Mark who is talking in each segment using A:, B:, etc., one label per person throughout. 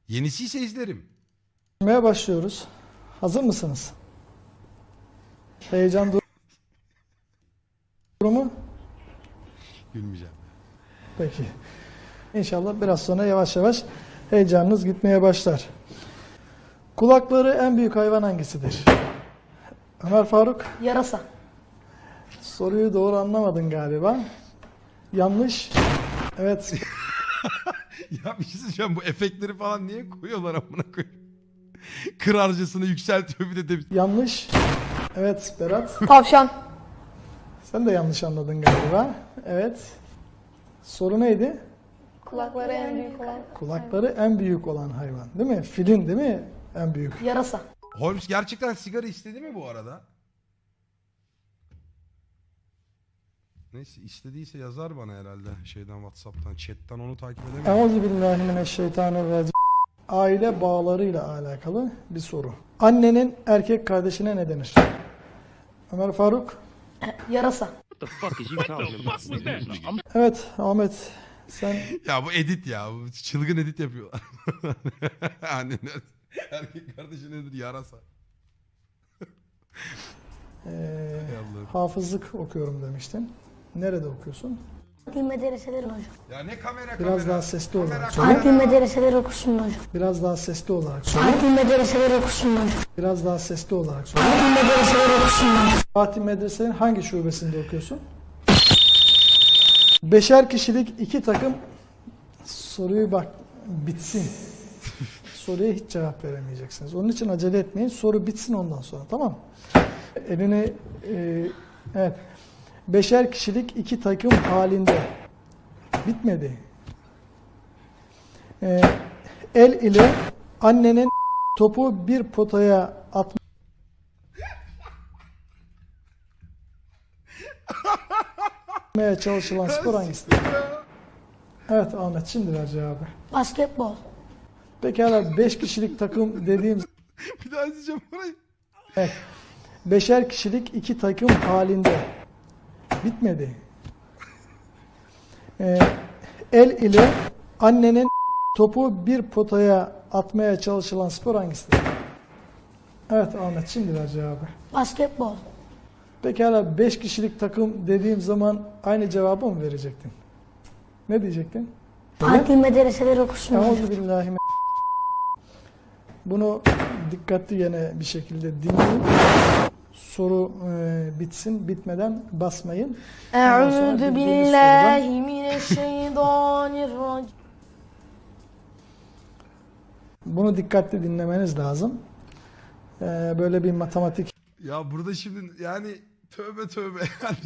A: Yenisi ise izlerim.
B: Başlıyoruz. Hazır mısınız? Heyecan durumu?
A: Gülmeyeceğim.
B: Peki. İnşallah biraz sonra yavaş yavaş heyecanınız gitmeye başlar. Kulakları en büyük hayvan hangisidir? Ömer Faruk,
C: Yarasa.
B: soruyu doğru anlamadın galiba. Yanlış. Evet.
A: Ya bir şey söyleyeceğim, bu efektleri falan niye koyuyorlar amına koyayım? Kırarcasını yükseltiyor bir de.
B: Yanlış. Evet Berat.
C: Tavşan.
B: Sen de yanlış anladın galiba. Evet. Soru neydi?
C: Kulakları en büyük olan.
B: Kulakları en büyük olan hayvan. Değil mi? Filin değil mi? En büyük.
C: Yarasa.
A: Holmes gerçekten sigara istedi mi bu arada? Neyse, istediyse yazar bana herhalde şeyden, WhatsApp'tan, chat'ten, onu takip edemiyorum.
B: Euzubillahimineşşeytanirracim. Aile bağlarıyla alakalı bir soru. Annenin erkek kardeşine ne denir? Ömer Faruk.
C: Yarasa.
B: Evet Ahmet sen
A: Ya bu edit ya, bu çılgın edit yapıyorlar. Anneler erkek kardeşi nedir? Yarasa. Hay Allah'ım.
B: hafızlık okuyorum demiştin. Nerede okuyorsun?
D: Adli medreseler hocam.
A: Ya ne kamera
B: Biraz daha sesli olarak söyle.
D: Adli medreseler okusun hocam.
B: Biraz daha sesli olarak söyle.
D: Adli medreseler okusun hocam.
B: Biraz daha sesli olarak söyle.
D: Adli medreseler okusun hocam.
B: Fatih Medrese'nin hangi şubesinde okuyorsun? Beşer kişilik iki takım, soruyu bak bitsin. Soruya hiç cevap veremeyeceksiniz. Onun için acele etmeyin. Soru bitsin ondan sonra, tamam mı? Elini evet. Beşer kişilik iki takım halinde. Bitmedi. El ile annenin topu bir potaya atmaya çalışılan spor hangisidir? Evet Ahmet, şimdi ver cevabı.
D: Basketbol.
B: Pekala 5 kişilik takım dediğim
A: Bir daha izleyeceğim burayı.
B: evet, beşer kişilik iki takım halinde. Bitmedi. El ile annenin topu bir potaya atmaya çalışılan spor hangisidir? Evet Ahmet, şimdi ver cevabı.
D: Basketbol.
B: Pekala 5 kişilik takım dediğim zaman aynı cevabı mı verecektin? Ne diyecektin?
D: Adli medreseler okusun hocam.
B: Euzubillahimineşşeytanirracim. Bunu dikkatli yine bir şekilde dinleyin. Soru bitsin, bitmeden basmayın. Ondan sonra
C: Eûzü
B: bildiğiniz
C: billahi mineşşeytanirracim.
B: Bunu dikkatli dinlemeniz lazım. Böyle bir matematik
A: Ya burada şimdi yani tövbe tövbe yani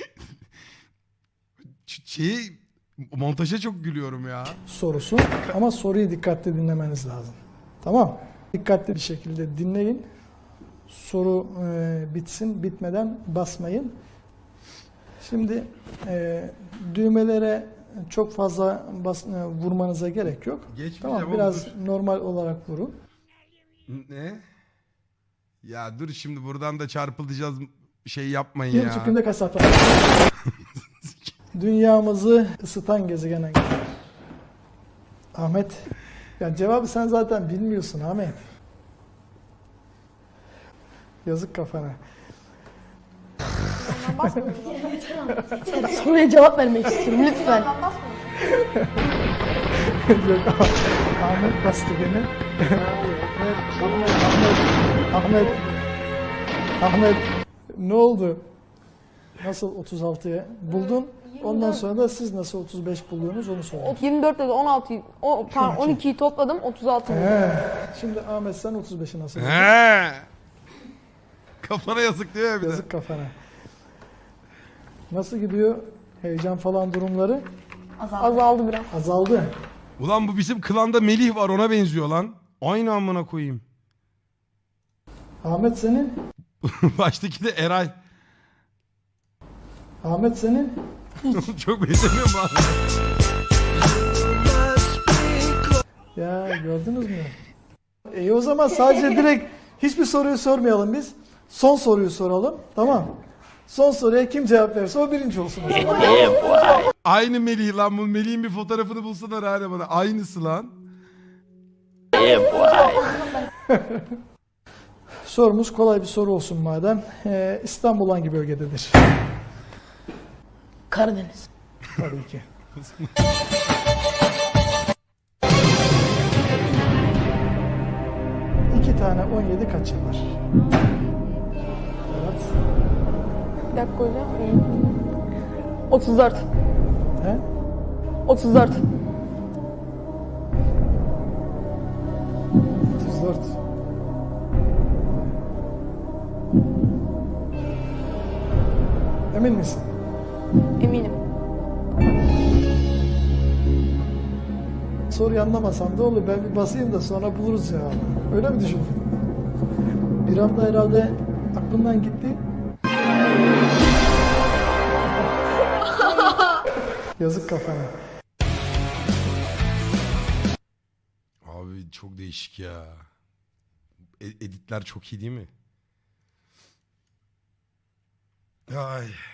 A: şeyi, montaja çok gülüyorum ya.
B: sorusu ama soruyu dikkatli dinlemeniz lazım. Tamam. Dikkatli bir şekilde dinleyin. Soru bitsin, bitmeden basmayın. Şimdi düğmelere çok fazla vurmanıza gerek yok.
A: Geçmeyeceğim
B: Tamam,
A: oğlum,
B: biraz
A: dur.
B: normal olarak vurun.
A: Ne? Ya dur, şimdi buradan da çarpılacağız, şey yapmayın
B: Bir
A: ya.
B: buçuk günde kasap. Dünyamızı ısıtan gezegen hangisi? Ahmet. Ya cevabı sen zaten bilmiyorsun Ahmet. Yazık kafana.
C: Soruya cevap vermek istiyorum lütfen.
B: Yok, Ahmet bastı beni. Ahmet. Ne oldu? Nasıl 36'ya buldun? Ondan sonra da siz nasıl 35 buluyorsunuz onu söyleyin.
C: 24 dedi 16'yı, pardon 12'yi topladım 36 oldu.
B: Şimdi Ahmet sen 35'i nasıl buldun?
A: He. Kafana yazık diyor ya bir de.
B: Yazık kafana. Nasıl gidiyor? Heyecan falan durumları
C: Azaldı biraz.
B: azaldı.
A: Ulan bu bizim klanda Melih var, ona benziyor lan. Aynı amına koyayım.
B: Ahmet senin?
A: Baştaki de Eray.
B: Ahmet senin?
A: Çok benzemiyor mu abi?
B: Ya gördünüz mü? O zaman sadece direkt hiçbir soruyu sormayalım biz. Son soruyu soralım. Tamam. Son soruya kim cevap verirse o birinci olsun. O zaman.
A: Aynı Melih lan, bu Melih'in bir fotoğrafını bulsana hala bana. Aynısı lan.
B: Sorumuz kolay bir soru olsun madem. İstanbul hangi bölgededir?
D: Karadeniz.
B: Tabii ki. İki tane 17 kaç yapar? Evet.
C: Bir dakika hocam. 34.
B: He?
C: 34.
B: 34. Emin misin?
C: Eminim.
B: Soruyu anlamasam da olur. Ben bir basayım da sonra buluruz cevabı. Öyle mi düşündün? Bir anda herhalde aklımdan gitti. Yazık kafana.
A: Abi çok değişik ya. Editler çok iyi değil mi? Ay.